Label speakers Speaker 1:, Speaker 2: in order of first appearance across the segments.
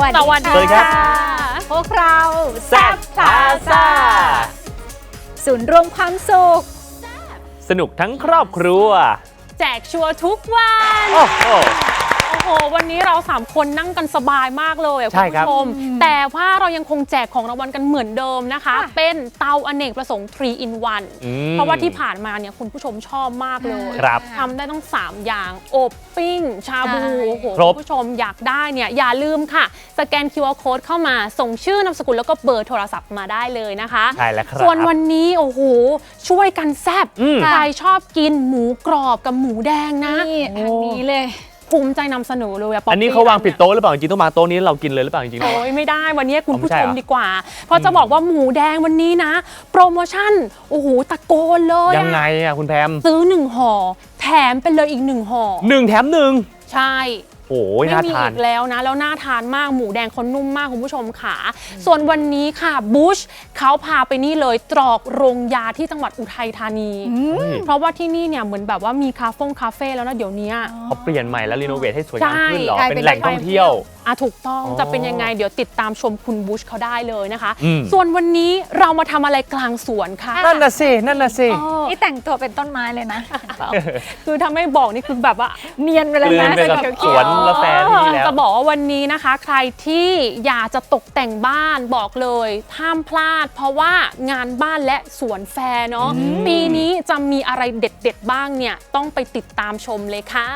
Speaker 1: วัสดีค่ะพวกเราแซ่บพลาซ่าศูนย์รวมความสุข
Speaker 2: สนุกทั้งครอบครัว
Speaker 3: แจกชัวร์ทุกวันโอ้โหวันนี้เรา3คนนั่งกันสบายมากเลยคุณผู้ชมแต่ว่าเรายังคงแจกของรางวัลกันเหมือนเดิมนะคะเป็นเตาอเนกประสงค์3 in 1เพราะว่าที่ผ่านมาเนี่ยคุณผู้ชมชอบมากเลยทำได้ต้อง3อย่างอบปิ้งชาบูโอ้โหคุณผู้ชมอยากได้เนี่ยอย่าลืมค่ะสแกน QR Code เข้ามาส่งชื่อนามสกุลแล้วก็เบอร์โทรศัพท์มาได้เลยนะคะ
Speaker 2: ใช่แล้วครับ
Speaker 3: ส่วนวันนี้โอ้โหช่วยกันแซ่บใครชอบกินหมูกรอบกับหมูแดงนะ
Speaker 1: ทางนี้เลย
Speaker 3: ภูมิใจนำเสนอเลย
Speaker 2: อันนี้เขาวางผิดโต๊ะหรือเปล่าจริงต้องมาโต๊ะนี้เรากินเลยหรือเปล่าจริงๆ
Speaker 3: โอ้ยไม่ได้วันนี้คุณผู้ชมดีกว่าเพราะจะบอกว่าหมูแดงวันนี้นะโปรโมชั่นโอ้โหตะโกนเลย
Speaker 2: ยังไงอ่ะคุณแพม
Speaker 3: ซื้อ1ห่อแถมไปเลยอีก1ห่อ
Speaker 2: 1 แถม 1
Speaker 3: ใช่
Speaker 2: โอ้ยน่าทาน
Speaker 3: ไม่มีอีกแล้วนะแล้วน่าทานมากหมูแดงเขานุ่มมากคุณผู้ชมค่ะส่วนวันนี้ค่ะบูชเขาพาไปนี่เลยตรอกโรงยาที่จังหวัดอุทัยธานีเพราะว่าที่นี่เนี่ยเหมือนแบบว่ามีคาเฟ่แล้วนะเดี๋ยวนี้
Speaker 2: เขาเปลี่ยนใหม่แล้วรีโนเวทให้สวยงามขึ้นหรอเป็นแหล่งท่องเที่ยว
Speaker 3: ถูกต้องจะเป็นยังไงเดี๋ยวติดตามชมคุณบูชเขาได้เลยนะคะส่วนวันนี้เรามาทำอะไรกลางสวนค่ะ
Speaker 2: นั่นน่ะสิ
Speaker 1: นี่แต่งตัวเป็นต้นไม้เลยนะ
Speaker 3: คือถ้าไม่บอกนี่คือแบบว่า
Speaker 1: เนียนไปเลยนะ
Speaker 2: สวนละแฟนี่แล้ว
Speaker 3: จะบอกว่าวันนี้นะคะใครที่อยากจะตกแต่งบ้านบอกเลยห้ามพลาดเพราะว่างานบ้านและสวนแฟร์เนาะปีนี้จะมีอะไรเด็ดๆบ้างเนี่ยต้องไปติดตามชมเลยค่ะ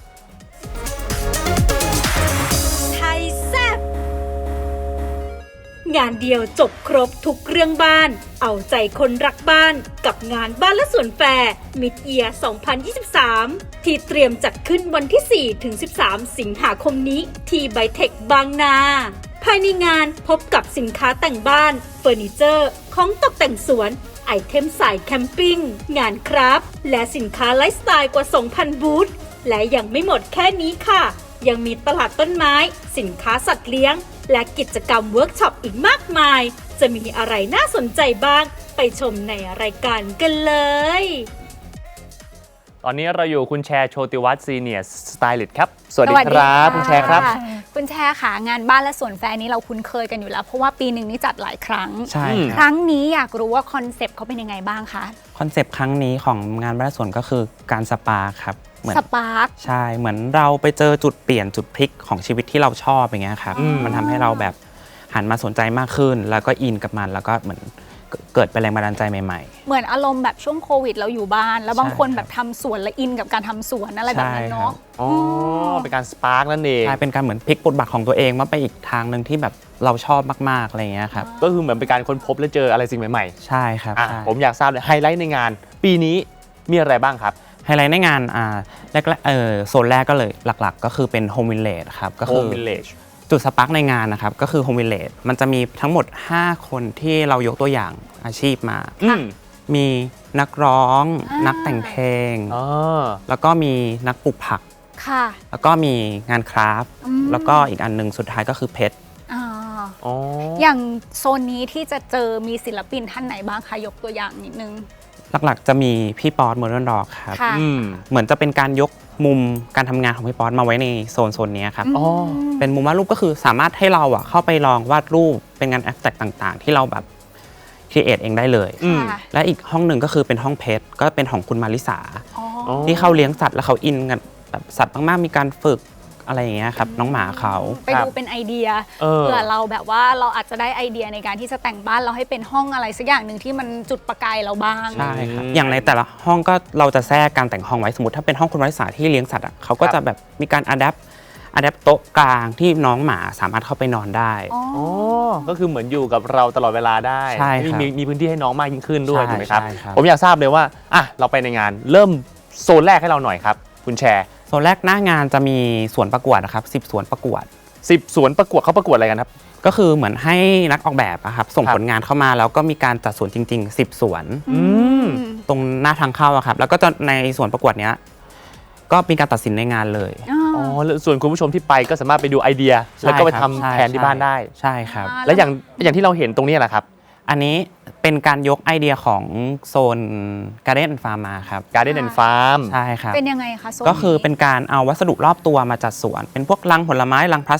Speaker 4: งานเดียวจบครบทุกเรื่องบ้านเอาใจคนรักบ้านกับงานบ้านและสวนแฟร์ Mid Year 2023 ที่เตรียมจัดขึ้นวันที่ 4-13 สิงหาคมนี้ที่ไบเทคบางนาภายในงานพบกับสินค้าแต่งบ้านเฟอร์นิเจอร์ของตกแต่งสวนไอเทมสายแคมปิ้งงานคราฟต์และสินค้าไลฟ์สไตล์กว่า 2,000 บูธและยังไม่หมดแค่นี้ค่ะยังมีตลาดต้นไม้สินค้าสัตว์เลี้ยงและกิจกรรมเวิร์กช็อปอีกมากมายจะมีอะไรน่าสนใจบ้างไปชมในรายการกันเลย
Speaker 2: ตอนนี้เราอยู่คุณแชร์โชติวัฒน์ซีเนียร์สไตลิสต์ครับสวัสดีครับคุณแชร์ครับ
Speaker 1: คุณแชร์ค่ะงานบ้านและสวนแฟร์นี้เราคุ้นเคยกันอยู่แล้วเพราะว่าปีหนึ่งนี้จัดหลายครั้ง
Speaker 5: ใช่
Speaker 1: ครั้งนี้อยากรู้ว่าคอนเซปต์เขาเป็นยังไงบ้างคะ
Speaker 5: คอนเซปต์ครั้งนี้ของงานบ้านและสวนก็คือการสปาครับ
Speaker 1: สปาร์ค
Speaker 5: ใช่เหมือนเราไปเจอจุดเปลี่ยนจุดพลิกของชีวิตที่เราชอบอย่างเงี้ยครับมันทำให้เราแบบหันมาสนใจมากขึ้นแล้วก็อินกับมันแล้วก็เหมือนเกิดเป็นแรงบันดาลใจใหม่
Speaker 1: ๆเหมือนอารมณ์แบบช่วงโควิดเราอยู่บ้านแล้วบางคนแบบทำสวนและอินกับการทำสวนอะไรแบบนั้นเนาะ
Speaker 2: อ๋อเป็นการสปาร์กนั่นเอง
Speaker 5: ใช่เป็นการเหมือนพลิกบทบาทของตัวเองมาไปอีกทางหนึ่งที่แบบเราชอบมากๆอะไรเงี้ยครับ
Speaker 2: ก็คือเหมือนเป็นการค้นพบและเจออะไรสิ่งใหม่
Speaker 5: ๆใช่ครับ
Speaker 2: ผมอยากทราบเลยไฮไลท์ในงานปีนี้มีอะไรบ้างครับ
Speaker 5: ไฮไลท์ในงานแรกโซนแรกก็เลยหลักๆก็คือเป็นโฮมวิลเลจครับก็คือจุดสปาร์กในงานนะครับก็คือโฮมวิลเลจมันจะมีทั้งหมด5คนที่เรายกตัวอย่างอาชีพมามีนักร้องนักแต่งเพลงแล้วก็มีนักปลูกผักแล้วก็มีงานคราฟต์แล้วก็อีกอันนึงสุดท้ายก็คือเพชร
Speaker 1: อย่างโซนนี้ที่จะเจอมีศิลปินท่านไหนบ้างคะยกตัวอย่างนิดนึง
Speaker 5: หลักๆจะมีพี่ป๊อตโมเดิร์นร็อกครับเหมือนจะเป็นการยกมุมการทำงานของพี่ป๊อตมาไว้ในโซนนี้ครับเป็นมุมวาดรูปก็คือสามารถให้เราเข้าไปลองวาดรูปเป็นงานแอบสแตรกต่างๆที่เราแบบครีเอทเองได้เลยและอีกห้องหนึ่งก็คือเป็นห้องเพชรก็เป็นของคุณมาริสาที่เขาเลี้ยงสัตว์แล้วเขาอินกันแบบสัตว์มากๆมีการฝึกอะไรอย่างเงี้ยครับน้องหมาเขา
Speaker 1: ไปดูเป็นไอเดียเผื่อเราแบบว่าเราอาจจะได้ไอเดียในการที่จะแต่งบ้านเราให้เป็นห้องอะไรสักอย่างหนึ่งที่มันจุดประกายเราบ้าง
Speaker 5: ใช่ครับอย่างในแต่ละห้องก็เราจะแทรกการแต่งห้องไว้สมมติถ้าเป็นห้องคุณวริษาที่เลี้ยงสัตว์เขาก็จะแบบมีการอะแดปโต๊ะกลางที่น้องหมาสามารถเข้าไปนอนได้
Speaker 2: ก็คือเหมือนอยู่กับเราตลอดเวลาได้
Speaker 5: ใช่ครับ
Speaker 2: มีพื้นที่ให้น้องมากยิ่งขึ้นด้วยถูกไหมครับผมอยากทราบเลยว่าเราไปในงานเริ่มโซนแรกให้เราหน่อยครับคุณแชร์
Speaker 5: โซนแรกหน้างานจะมีสวนประกวดนะครับ10 สวนประกวด
Speaker 2: 10 สวนประกวดเขาประกวดอะไรกันครับ
Speaker 5: ก็คือเหมือนให้นักออกแบบครับส่งผลงานเข้ามาแล้วก็มีการจัดสวนจริงๆ10 สวนตรงหน้าทางเข้าครับแล้วก็จะในสวนประกวดเนี้ยก็มีการตัดสินในงานเลย
Speaker 2: แล้วส่วนคุณผู้ชมที่ไปก็สามารถไปดูไอเดียแล้วก็ไปทำแทนที่บ้านได้
Speaker 5: ใช่ครับ
Speaker 2: แล้วอย่างที่เราเห็นตรงนี้แหละครับ
Speaker 5: อันนี้เป็นการยกไอเดียของโซน Garden and Farm มาครับ
Speaker 2: Garden and Farm
Speaker 5: ใช่ครับ
Speaker 1: เป็นยังไงคะโซน
Speaker 5: ก็คือเป็นการเอาวัสดุรอบตัวมาจัดสวนเป็นพวกลังผลไม้ลังพลาสติก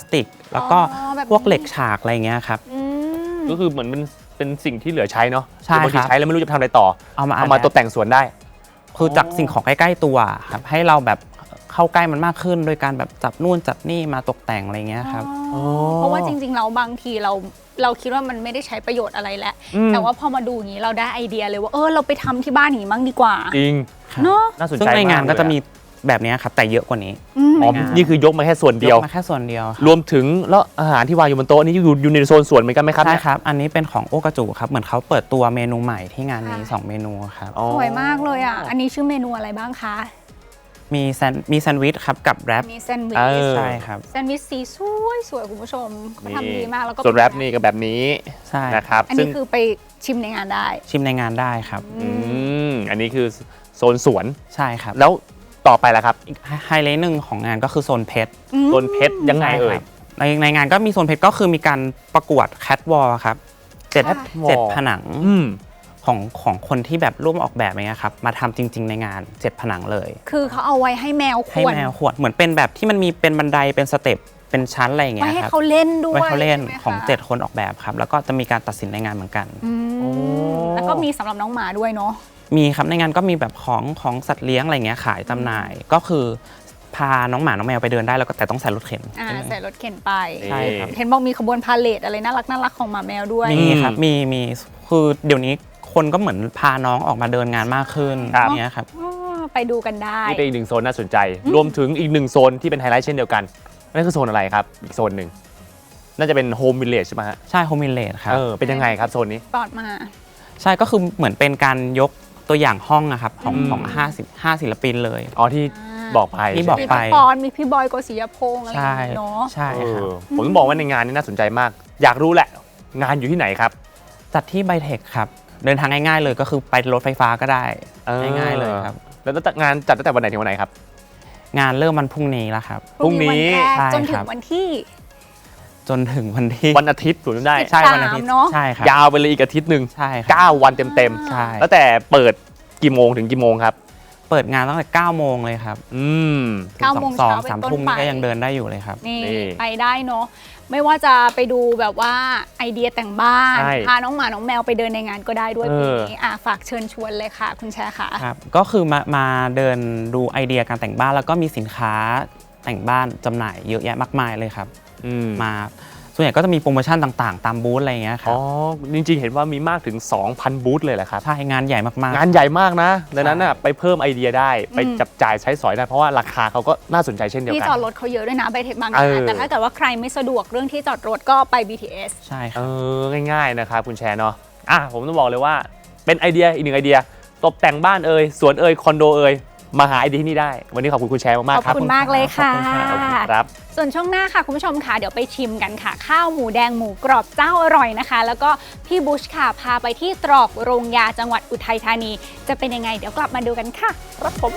Speaker 5: แล้วก็
Speaker 1: แบบนี้
Speaker 5: พวกเหล็กฉากอะไรเงี้ยครับ
Speaker 2: ก็คือเหมือนมันเป็นสิ่งที่เหลือใช้เนาะ
Speaker 5: ใช่
Speaker 2: บางที
Speaker 5: ครับ
Speaker 2: ใช้แล้วไม่รู้จะทำอะไรต่อ
Speaker 5: เอามา
Speaker 2: ตกแต่งสวนได้
Speaker 5: คือจากสิ่งของใกล้ๆตัวครับให้เราแบบเข้าใกล้มันมากขึ้น โดยการแบบจับนู่นจับนี่มาตกแต่งอะไรเงี้ยครับ
Speaker 1: เพราะว่าจริงๆเราบางทีเราคิดว่ามันไม่ได้ใช้ประโยชน์อะไรแล้วแต่ว่าพอมาดูอย่างนี้เราได้ไอเดียเลยว่าเราไปทำที่บ้านอย่างนี้มั่งดีกว่า
Speaker 2: จริง
Speaker 1: เนาะ
Speaker 2: น่าสนใจ
Speaker 5: ซึ่งในงานก็จะมี
Speaker 2: มากเลย
Speaker 5: แบบเนี้ยครับแต่เยอะกว่านี้
Speaker 2: อ๋อนี่คือยกมาแค่ส่วนเดียวย
Speaker 5: กมาแค่ส่วนเดียวครับ
Speaker 2: รวมถึงแล้วอาหารที่วางอยู่บนโต๊ะนี่อยู่ในโซนสวนเหมือนกันไหมครับ
Speaker 5: ใช่
Speaker 2: เนี่ย
Speaker 5: ครับ อันนี้เป็นของโอกาจูครับเหมือนเขาเปิดตัวเมนูใหม่ที่งานนี้2เมนูครับ
Speaker 2: อ๋อ
Speaker 1: สวยมากเลยอ่ะอันนี้ชื่อเมนูอะไรบ้างคะ
Speaker 5: มีแซนด์วิชครับกับแรป
Speaker 1: มีแซนด์วิ
Speaker 2: เอ
Speaker 1: ช
Speaker 2: อ
Speaker 5: ใช่ครับ
Speaker 1: แซนด์วิชสีสวยคุณผู้ชมเขาทำดีมากแล้วก็
Speaker 2: ส่วนแรปนี่ก็แบบนี้
Speaker 5: ใช่
Speaker 2: นะครับ
Speaker 1: อัน
Speaker 2: ซึ่
Speaker 1: นี้
Speaker 2: ง
Speaker 1: คือไปชิมในงานได้
Speaker 5: ชิมในงานได้ครับ
Speaker 2: อันนี้คือโซนสวน
Speaker 5: ใช่ครับ
Speaker 2: แล้วต่อไปล่ะครับ
Speaker 5: อีกไฮไลท์หนึ่งของงานก็คือโซนเพชร
Speaker 2: โซนเพชรยังไงเอ่ย
Speaker 5: ในงานก็มีโซนเพชรก็คือมีการประกวดแคทวอลครับเจ็ด
Speaker 2: Catwalk
Speaker 5: ผนังของคนที่แบบร่วมออกแบบอย่างเงี้ยครับมาทำจริง ๆ ในงาน7ผนังเลย
Speaker 1: คือเขาเอาไว้ให้แมวข
Speaker 5: ให้
Speaker 1: วน
Speaker 5: แมวขวดเหมือนเป็นแบบที่มันมีเป็นบันไดเป็นสเต็ปเป็นชั้นอะไรอย่างเงี้
Speaker 1: ไว้
Speaker 5: ย
Speaker 1: ให้
Speaker 5: ครับ
Speaker 1: เขาเล่นด้วย
Speaker 5: ไว้เขาเล่น
Speaker 1: ใช่ไหมคะ
Speaker 5: ของ7คนออกแบบครับแล้วก็จะมีการตัดสินในงานเหมือนกัน
Speaker 1: แล้วก็มีสำหรับน้องหมาด้วยเนาะ
Speaker 5: มีครับในงานก็มีแบบของสัตว์เลี้ยงอะไรเงี้ยขายจำหน่ายก็คือพาน้องหมาน้องแมวไปเดินได้แล้วก็แต่ต้องใส่รถเข็น
Speaker 1: ใส่รถเข็นไป
Speaker 5: ใช่ครับ
Speaker 1: เห็นบอกมีขบวนพาเลทอะไรน่ารักของหมาแมวด้วย
Speaker 5: มีครับมีคือเดี๋ยวนี้คนก็เหมือนพาน้องออกมาเดินงานมากขึ้น
Speaker 2: ครับ
Speaker 5: อย่างเงี้ยครับ
Speaker 1: ไปดูกันได้
Speaker 2: นี่เป็นอีกหนึ่งโซนน่าสนใจ รวมถึงอีกหนึ่งโซนที่เป็นไฮไลท์เช่นเดียวกันนั่นคือโซนอะไรครับอีกโซนหนึ่งน่าจะเป็นโฮมวิลเลจใช่ไหมฮะ
Speaker 5: ใช่โฮมิเลตครับ
Speaker 2: เป็นยังไงครับโซนนี้
Speaker 1: ปลอดมา
Speaker 5: ใช่ก็คือเหมือนเป็นการยกตัวอย่างห้องอะครับของ5ศิลปินเลย
Speaker 2: อ๋อที่บอกไป
Speaker 5: ที่บอก
Speaker 1: มี
Speaker 5: ไป
Speaker 1: พี่ปอนมีพี่บอยโกศิยพงษ์อะไรอย่างเงี้ยเนาะ
Speaker 5: ใช่
Speaker 2: เอ
Speaker 5: ครับ
Speaker 2: อผมต้องบอกว่าในงานนี้น่าสนใจมาก อยากรู้แหละ งานอยู่ที่ไหนครับ
Speaker 5: จัดที่ไบเทคครับเดินทางง่ายๆเลยก็คือไปรถไฟฟ้าก็ได้ง่ายๆเลยครับ
Speaker 2: แล้วงานจัดตั้งแต่วันไหนถึงวันไหนครับ
Speaker 5: งานเริ่มวันพรุ่งนี้แล้วครับ
Speaker 2: พรุ่งนี้
Speaker 1: วันแรก
Speaker 5: ใช่
Speaker 1: จนถึ
Speaker 5: ครั
Speaker 1: ง
Speaker 5: บ
Speaker 1: วันที่
Speaker 5: จนถึงวันที่
Speaker 2: วันอาทิตย์ถูกต้องได้
Speaker 5: ใช่วันอาทิตย์
Speaker 1: 13เนอะ
Speaker 5: ใช่ครับ
Speaker 2: ยาวไปเลยอีกอาทิตย์หนึ่ง
Speaker 5: ใช่ครับ
Speaker 2: 9 วันเต็ม
Speaker 5: ใช่
Speaker 2: ๆแล้วแต่เปิดกี่โมงถึงกี่โมงครับ
Speaker 5: เปิดงานตั้งแต่9โมงเลยครับ
Speaker 2: อืม
Speaker 1: 9โมง
Speaker 5: สอง
Speaker 1: เช้าเป็น
Speaker 5: สาม
Speaker 1: ต้น
Speaker 5: ทุ่ม
Speaker 1: ไป
Speaker 5: นี่ก็ยังเดินได้อยู่เลยครับ
Speaker 1: นี่
Speaker 2: นี่
Speaker 1: ไปได้เนาะไม่ว่าจะไปดูแบบว่าไอเดียแต่งบ้าน
Speaker 2: ใช่
Speaker 1: พาน้องหมาน้องแมวไปเดินในงานก็ได้ด้วย
Speaker 2: เอ
Speaker 1: ปี
Speaker 2: อ
Speaker 1: นี้ฝากเชิญชวนเลยค่ะ คุณแชร์ค่ะ
Speaker 5: ครับก็คือมาเดินดูไอเดียการแต่งบ้านแล้วก็มีสินค้าแต่งบ้านจำหน่ายเยอะแยะมากมายเลยครับ มาส่วนใหญ่ก็จะมีโปรโมชั่นต่างๆ ตามบูธอะไรอย่างเงี้ยครั
Speaker 2: อ๋
Speaker 5: บ
Speaker 2: อจริงๆเห็นว่ามีมากถึง 2,000 บูธเลยแหละครับ
Speaker 5: ใช่งานใหญ่มากๆ
Speaker 2: งานใหญ่มากนะดังนั้นน่ะไปเพิ่มไอเดียได้ไปจับจ่ายใช้สอยได้เพราะว่าราคาเขาก็น่าสนใจเช่นเดียว
Speaker 1: ที่
Speaker 2: กัน
Speaker 1: จอดรถเขาเยอะด้วยนะไบเทคบาง
Speaker 2: เอ
Speaker 1: นา
Speaker 2: อ
Speaker 1: แต่ถ้าเกิดว่าใครไม่สะดวกเรื่องที่จอดรถก็ไป BTS
Speaker 5: ใช่ครับ
Speaker 2: ง่ายๆนะครับคุณแชร์เนาะผมต้องบอกเลยว่าเป็นไอเดียอีกหนึ่งไอเดียตกแต่งบ้านสวนคอนโดมาหาไอเดียที่นี่ได้ วันนี้ขอบคุณคุณแชร์มากๆครับ
Speaker 1: ขอบคุณมากเลยค่ะ
Speaker 2: ขอบคุณครับ
Speaker 1: ส่วนช่วงหน้าค่ะคุณผู้ชมค่ะเดี๋ยวไปชิมกันค่ะ ข้าวหมูแดงหมูกรอบเจ้าอร่อยนะคะ แล้วก็พี่บุชค่ะพาไปที่ตรอกโรงยาจังหวัดอุทัยธานี จะเป็นยังไงเดี๋ยวกลับมาดูกันค่ะรับผม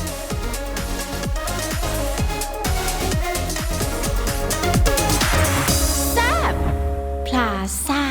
Speaker 6: พลาซ่า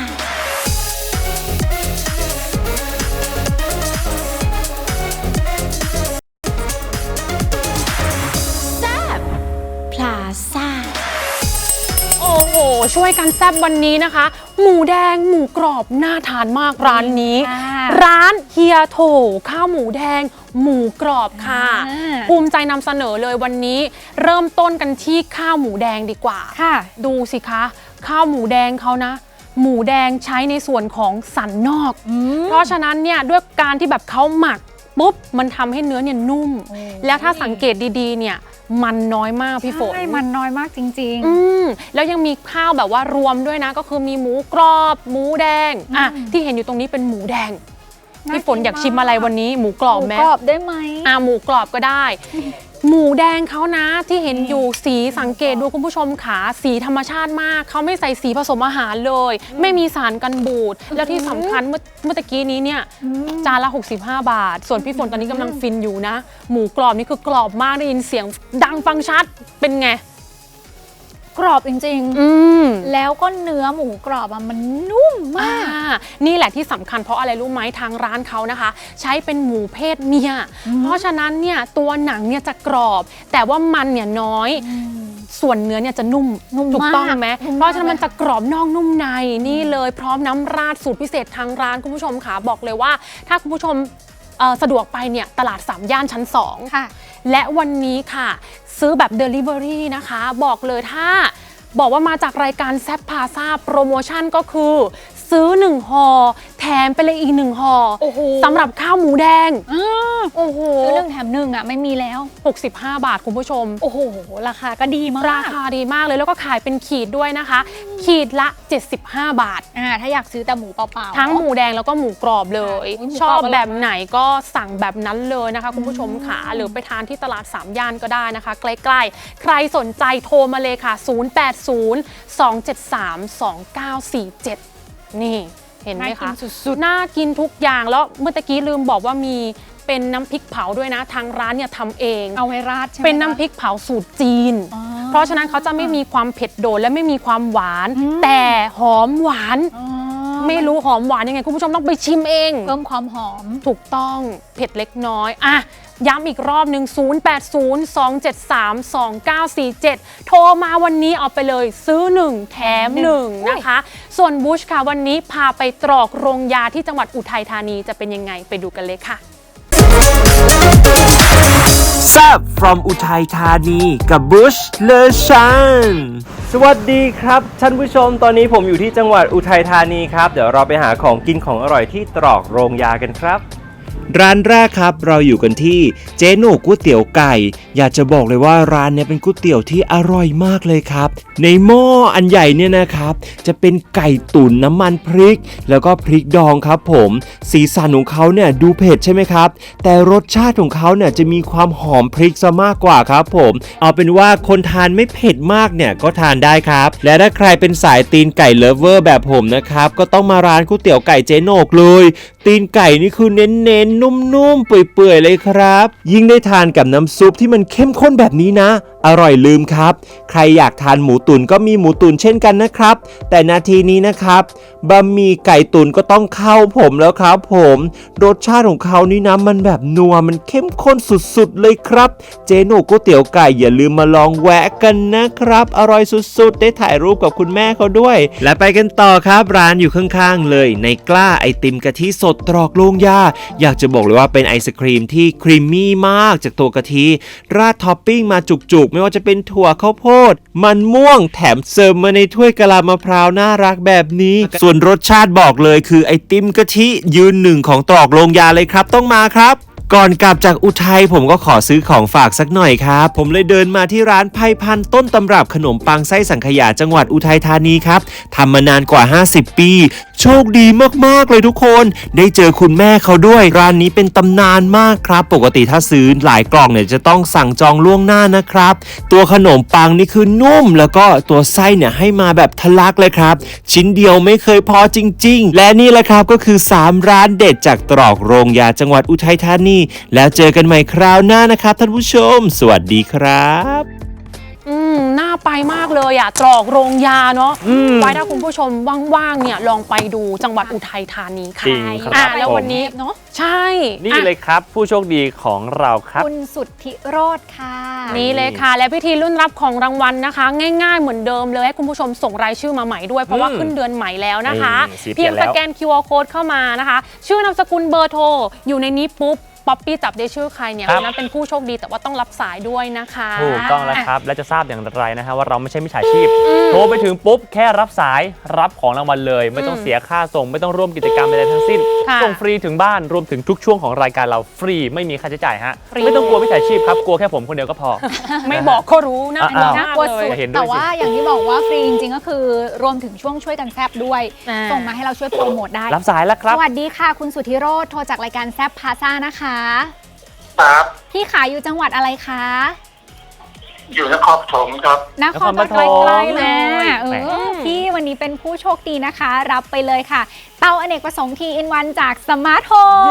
Speaker 6: พลาซ่า
Speaker 3: โอ้โห ช่วยกันแซบวันนี้นะคะ หมูแดงหมูกรอบน่าทานมากร้านนี้ ร้านเฮียโถข้าวหมูแดงหมูกรอบค่ะ ภูมิใจนำเสนอเลยวันนี้ เริ่มต้นกันที่ข้าวหมูแดงดีกว่า
Speaker 1: ค่ะ
Speaker 3: ดูสิคะ ข้าวหมูแดงเขานะ หมูแดงใช้ในส่วนของสันนอก เพราะฉะนั้นเนี่ยด้วยการที่แบบเขาหมักปุ๊บมันทำให้เนื้อเนี่ยนุ่ม แล้วถ้าสังเกตดีๆเนี่ยมันน้อยมากพี่ฝน
Speaker 1: ใช่มันน้อยมากจริง
Speaker 3: แล้วยังมีข้าวแบบว่ารวมด้วยนะ ก็คือมีหมูกรอบหมูแดงที่เห็นอยู่ตรงนี้เป็นหมูแดง
Speaker 1: น่า
Speaker 3: พี่ฝน
Speaker 1: กิน
Speaker 3: อยากชิม
Speaker 1: มาก
Speaker 3: อะไรวันนี้หมูกร
Speaker 1: ๆ
Speaker 3: อบ
Speaker 1: หมู
Speaker 3: ไหม
Speaker 1: กรอบได้ไหม
Speaker 3: หมูกรอบก็ได้ หมูแดงเขานะที่เห็นอยู่สีสังเกตดูคุณผู้ชมขาสีธรรมชาติมากเขาไม่ใส่สีผสมอาหารเลย ไม่มีสารกันบูด แล้วที่สำคัญเมื่อตะกี้นี้เนี่ยจานละ 65 บาท ส่วนพี่ฝนตอนนี้กำลังฟินอยู่นะ หมูกรอบนี่คือกรอบมากได้ยินเสียงดังฟังชัดเป็นไง
Speaker 1: กรอบจริงๆแล้วก็เนื้อหมูกรอบมันนุ่มมาก
Speaker 3: นี่แหละที่สำคัญเพราะอะไรรู้ไหมทางร้านเขานะคะ ใช้เป็นหมูเพศเมียเพราะฉะนั้นเนี่ยตัวหนังเนี่ยจะกรอบ แต่ว่ามันเนี่ยน้อยส่วนเนื้อเนี่ยจะนุ่ม
Speaker 1: นุ่ม
Speaker 3: ถูกต้อง
Speaker 1: มาก
Speaker 3: ไหม
Speaker 1: นุ่มมาก
Speaker 3: เพราะฉะนั้นมันจะกรอบนอกนุ่มในนี่เลยพร้อมน้ำราดสูตรพิเศษทางร้านคุณผู้ชมค่ะบอกเลยว่าถ้าคุณผู้ชมสะดวกไปเนี่ยตลาด3ย่านชั้น2
Speaker 1: ค่ะ
Speaker 3: และวันนี้ค่ะซื้อแบบ Delivery นะคะบอกเลยถ้าบอกว่ามาจากรายการแซปพาซาโปรโมชั่นก็คือซื้อ1ห่อแถมไปเลยอีก1ห่อ
Speaker 1: โอ้โห
Speaker 3: สำหรับข้าวหมูแดงโอ้โห
Speaker 1: ซื้อ1 แถม 1อ่ะไม่มีแล้ว
Speaker 3: 65 บาทคุณผู้ชม
Speaker 1: โอ้โหราคาก็ดีมาก
Speaker 3: ราคาดีมากเลยแล้วก็ขายเป็นขีดด้วยนะคะ ขีดละ 75 บาท
Speaker 1: ถ้าอยากซื้อแต่หมูเปล่าๆ
Speaker 3: ทั้งหมูแดงแล้วก็หมูกรอบเลย
Speaker 1: อุ๊ยหมู
Speaker 3: ชอบ
Speaker 1: กรอบอร่อย
Speaker 3: แบบไหนก็สั่งแบบนั้นเลยนะคะคุณผู้ชมค่ะหรือไปทานที่ตลาด3ย่านก็ได้นะคะ ใกล้ๆ ใครสนใจโทรมาเลยค่ะ 080-273-2947 นี่เห็นไหม
Speaker 1: น่ากิ
Speaker 3: คะ
Speaker 1: นสุด
Speaker 3: น่ากินทุกอย่างแล้วเมื่อตะกี้ลืมบอกว่ามีเป็นน้ำพริกเผาด้วยนะ ทางร้านเนี่ยทำเอง
Speaker 1: ๆเอาไว้ราดใช่ไหม
Speaker 3: เป็นน้ำพริกเผาสูตรจีน
Speaker 1: อ๋อ
Speaker 3: เพราะฉะนั้นเขาจะไม่มีความเผ็ดโดดและไม่มีความหวาน แต่หอมหวาน
Speaker 1: อ๋อ
Speaker 3: ไม่รู้หอมหวานยังไงคุณผู้ชมต้องไปชิมเอง
Speaker 1: เพิ่มความหอม
Speaker 3: ถูกต้องเผ็ดเล็กน้อยอ่ะย้ำอีกรอบหนึ่ง080-273-2947 โทรมาวันนี้เอาไปเลยซื้อ 1 แถม 1 นะคะ ส่วนบูชค่ะวันนี้พาไปตรอกโรงยาที่จังหวัดอุทัยธานีจะเป็นยังไงไปดูกันเลยค่ะ
Speaker 7: แซ่บ from อุทัยธานีกับบุชเลชันสวัสดีครับท่านผู้ชมตอนนี้ผมอยู่ที่จังหวัดอุทัยธานีครับเดี๋ยวเราไปหาของกินของอร่อยที่ตรอกโรงยากันครับ ร้านแรกครับเราอยู่กันที่เจ๊โหน่ก๋วยเตี๋ยวไก่อยากจะบอกเลยว่าร้านเนี้ยเป็นก๋วยเตี๋ยวที่อร่อยมากเลยครับในหม้ออันใหญ่เนี่ยนะครับจะเป็นไก่ตุ๋นน้ำมันพริก แล้วก็พริกดองครับผมสีสันของเขาเนี่ยดูเผ็ดใช่ไหมครับแต่รสชาติของเขาเนี่ยจะมีความหอมพริกซะมากกว่าครับผมเอาเป็นว่าคนทานไม่เผ็ดมากเนี่ยก็ทานได้ครับและถ้าใครเป็นสายตีนไก่เลิฟเวอร์แบบผมนะครับก็ต้องมาร้านก๋วยเตี๋ยวไก่เจ๊โหน่เลยตีนไก่นี่คือเน้นๆนุ่มๆเปื่อยๆเลยครับยิ่งได้ทานกับน้ำซุปที่มันเข้มข้นแบบนี้นะอร่อยลืมครับใครอยากทานหมูตุ๋นก็มีหมูตุ๋นเช่นกันนะครับแต่นาทีนี้นะครับบะหมี่ไก่ตุ๋นก็ต้องเข้าผมแล้วครับผมรสชาติของเขานี่นะมันแบบนัวมันเข้มข้นสุดๆเลยครับเจ๊โหน่ก๋วยเตี๋ยวไก่อย่าลืมมาลองแวะกันนะครับอร่อยสุดๆได้ถ่ายรูปกับคุณแม่เขาด้วยและไปกันต่อครับร้านอยู่ข้างๆเลยในกล้าไอติมกะทิสดตรอกโรงยาอยากจะบอกเลยว่าเป็นไอศครีมที่ครีมมี่มากจากตัวกะทิราดท็อปปิ้งมาจุกๆไม่ว่าจะเป็นถั่วข้าวโพดมันม่วงแถมเสิร์ฟมาในถ้วยกะลามะพร้าวน่ารักแบบนี้ส่วนรสชาติบอกเลยคือไอติมกะทิยืนหนึ่งของตรอกโรงยาเลยครับต้องมาครับก่อนกลับจากอุทัยผมก็ขอซื้อของฝากสักหน่อยครับผมเลยเดินมาที่ร้านไพพันธุ์ต้นตำรับขนมปังไส้สังขยาจังหวัดอุทัยธานีครับทำมานานกว่า50ปีโชคดีมากๆเลยทุกคนได้เจอคุณแม่เขาด้วยร้านนี้เป็นตำนานมากครับปกติถ้าซื้อหลายกล่องเนี่ยจะต้องสั่งจองล่วงหน้านะครับตัวขนมปังนี่คือนุ่มแล้วก็ตัวไส้เนี่ยให้มาแบบทะลักเลยครับชิ้นเดียวไม่เคยพอจริงๆและนี่แหละครับก็คือ3ร้านเด็ดจากตรอกโรงยาจังหวัดอุทัยธานีแล้วเจอกันใหม่คราวหน้านะครับท่านผู้ชมสวัสดีครับ
Speaker 3: น่าไปมากเลยอ่ะตรอกโรงยาเนาะไว้ถ้าคุณผู้ชมว่างๆเนี่ยลองไปดูจังหวัดอุทัยธานีค่ะ
Speaker 2: จริงครับ
Speaker 3: แล้ววันนี้
Speaker 1: เนาะ
Speaker 3: ใช่
Speaker 2: นี่เลยครับผู้โชคดีของเราครับ
Speaker 1: คุณสุทธิโรธค่ะ
Speaker 3: นี่เลยค่ะ และพิธีรุ่นรับของรางวัลนะคะ ง่ายๆเหมือนเดิมเลยให้คุณผู้ชมส่งรายชื่อมาใหม่ด้วยเพราะว่าขึ้นเดือนใหม่แล้วนะคะ
Speaker 2: สีเปลี่
Speaker 3: เพี
Speaker 2: ย
Speaker 3: ย
Speaker 2: น
Speaker 3: ง
Speaker 2: แล้ว
Speaker 3: สแกน QR code เข้ามานะคะ ชื่อนามสกุลเบอร์โทรอยู่ในนี้ปุ๊บป๊อปปี้จับได้ชื่อใครเนี่ยคนนั้นเป็นผู้โชคดีแต่ว่าต้องรับสายด้วยนะคะ
Speaker 2: ถูกต้องแล้วครับ และจะทราบอย่างไรนะฮะว่าเราไม่ใช่มิจฉาชีพ โทรไปถึงปุ๊บแค่รับสายรับของรางวัลเลย ไม่ต้องเสียค่าส่งไม่ต้องร่วมกิจกรรมใดๆทั้งสิ้น
Speaker 3: ค่ะ
Speaker 2: ส่งฟรีถึงบ้านรวมถึงทุกช่วงของรายการเราฟรีไม่มีค่าใช้จ่ายฮะ
Speaker 3: ฟรี
Speaker 2: ไม่ต้องกลัวมิจฉาชีพครับกลัวแค่ผมคนเดียวก็พอ
Speaker 3: ไม่บอกก็รู้นะ
Speaker 2: อ้าว
Speaker 1: น่ากลัวสุด
Speaker 2: เห็นด้วย
Speaker 1: แต่ว่าอย่างที่บอกว่าฟรีจริงๆก็คือรวมถึงช่วงช่วยกันแซบด้วย
Speaker 3: อ่า
Speaker 1: ส่งมาให้เราช่วยโปรโมทได้
Speaker 2: รับสายแล้วครับ
Speaker 1: สวัสดีค่ะ คุณสุทธิโรธโทรจากรายการแซบพาซ่านะคะ
Speaker 8: ครับ
Speaker 1: พี่ขายอยู่จังหวัดอะไรคะ
Speaker 8: อยู่นครปฐมครับ
Speaker 1: นครปฐม
Speaker 3: ใกล้ๆเลย
Speaker 1: เอ
Speaker 2: แหม
Speaker 1: อพี่วันนี้เป็นผู้โชคดีนะคะ รับไปเลยค่ะ เตาอเนกประสงค์ T-in-1 จากสมาร์ทโฮม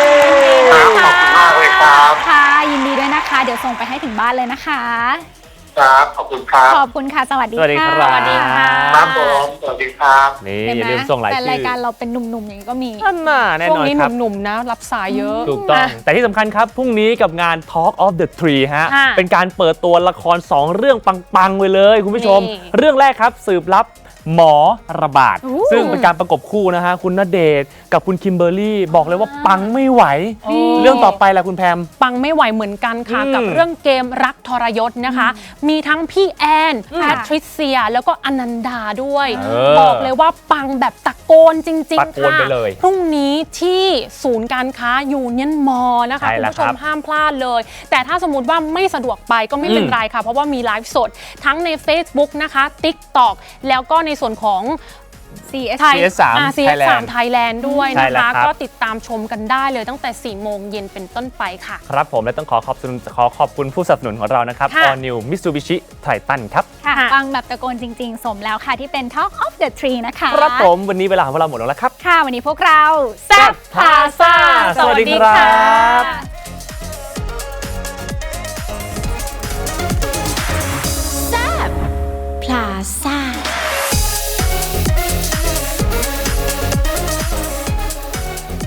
Speaker 8: ครับ ขอบคุณมากเลยครับ
Speaker 1: ค่ะยินดีด้วยนะคะ เดี๋ยวส่งไปให้ถึงบ้านเลยนะคะ
Speaker 8: ครับขอบคุณครับ
Speaker 1: ขอบคุณค่ะ สวัสดี
Speaker 2: สวัสดี
Speaker 1: ค่ะ
Speaker 2: ครับ
Speaker 3: สวัสดีค่ะ
Speaker 8: ครับผมสวัสดีครับ
Speaker 2: นี่
Speaker 1: เห็น
Speaker 2: อย่า
Speaker 1: ไหม
Speaker 2: ลืมส่งราย
Speaker 1: แต่
Speaker 2: ชื่
Speaker 1: ราย
Speaker 2: อ
Speaker 1: การเราเป็นหนุ่มๆอย่างนี้ก็มี
Speaker 2: นั่นน่ะแน่
Speaker 3: ช่วน ง
Speaker 2: อน
Speaker 3: นี้
Speaker 2: ครับ
Speaker 3: หนุ่มๆนะ รับสายเยอะ
Speaker 2: ถูกต้อง
Speaker 3: อ่ะ
Speaker 2: แต่ที่สำคัญครับ พรุ่งนี้กับงาน Talk of the Tree ฮะ
Speaker 3: ค่ะ
Speaker 2: เป็นการเปิดตัวละคร 2 เรื่องปังๆไว้เลยคุณผู้ชม
Speaker 3: นี่
Speaker 2: เรื่องแรกครับสืบลับหมอระบาด
Speaker 1: อู้
Speaker 2: ซึ่งเป็นการประกบคู่นะฮะ คุณณเดชน์กับคุณคิมเบอร์รี่ บอกเลยว่าปังไม่ไหว
Speaker 3: นี่
Speaker 2: เรื่องต่อไปแหละคุณแพม
Speaker 3: ปังไม่ไหวเหมือนกันค่ะ
Speaker 2: อืม
Speaker 3: กับเรื่องเกมรักทรยศนะคะ มีทั้งพี่แอนแพทริเซีย แล้วก็อนันดาด้วย บอกเลยว่าปังแบบตะโกนจริง
Speaker 2: ตะ
Speaker 3: ๆ
Speaker 2: โกน
Speaker 3: ค่ะ
Speaker 2: ไปเลย
Speaker 3: พรุ่งนี้ที่ศูนย์การค้ายูเนียนมอลนะคะ
Speaker 2: ใช่
Speaker 3: คุณ
Speaker 2: แล้ว
Speaker 3: ผู้ช
Speaker 2: ครั
Speaker 3: ม
Speaker 2: บ
Speaker 3: ห้ามพลาดเลย แต่ถ้าสมมติว่าไม่สะดวกไปก็ไม่เป็นไรค่ะ เพราะว่ามีไลฟ์สดทั้งใน Facebook นะคะ TikTok แล้วก็ในส่วนของ
Speaker 1: CS
Speaker 3: ไทย
Speaker 2: CS3
Speaker 3: CS3 ไทยแลนด์ด้วย
Speaker 2: ใช่
Speaker 3: นะ
Speaker 2: แล้ว
Speaker 3: คะ
Speaker 2: ครับ
Speaker 3: ก็ติดตามชมกันได้เลยตั้งแต่ 4 โมงเย็นเป็นต้นไปค่ะ
Speaker 2: ครับผมและต้องขอขอบคุณผู้สนับสนุนของเรานะครับ
Speaker 3: ค่ะ
Speaker 2: All New Mitsubishi Triton ครับ
Speaker 1: ค่ะ
Speaker 3: ค่ะ
Speaker 1: ฟังแบบตะโกนจริง ๆ สมแล้วค่ะที่เป็น Talk of the Tree นะคะ
Speaker 2: ครับผมวันนี้เวลาของพวกเราหมดแล้วละครับ
Speaker 1: ค่ะ วันนี้พวกเรา
Speaker 3: แซ่บพาซ่า
Speaker 2: สวัสดีครับ
Speaker 6: พลาซ่า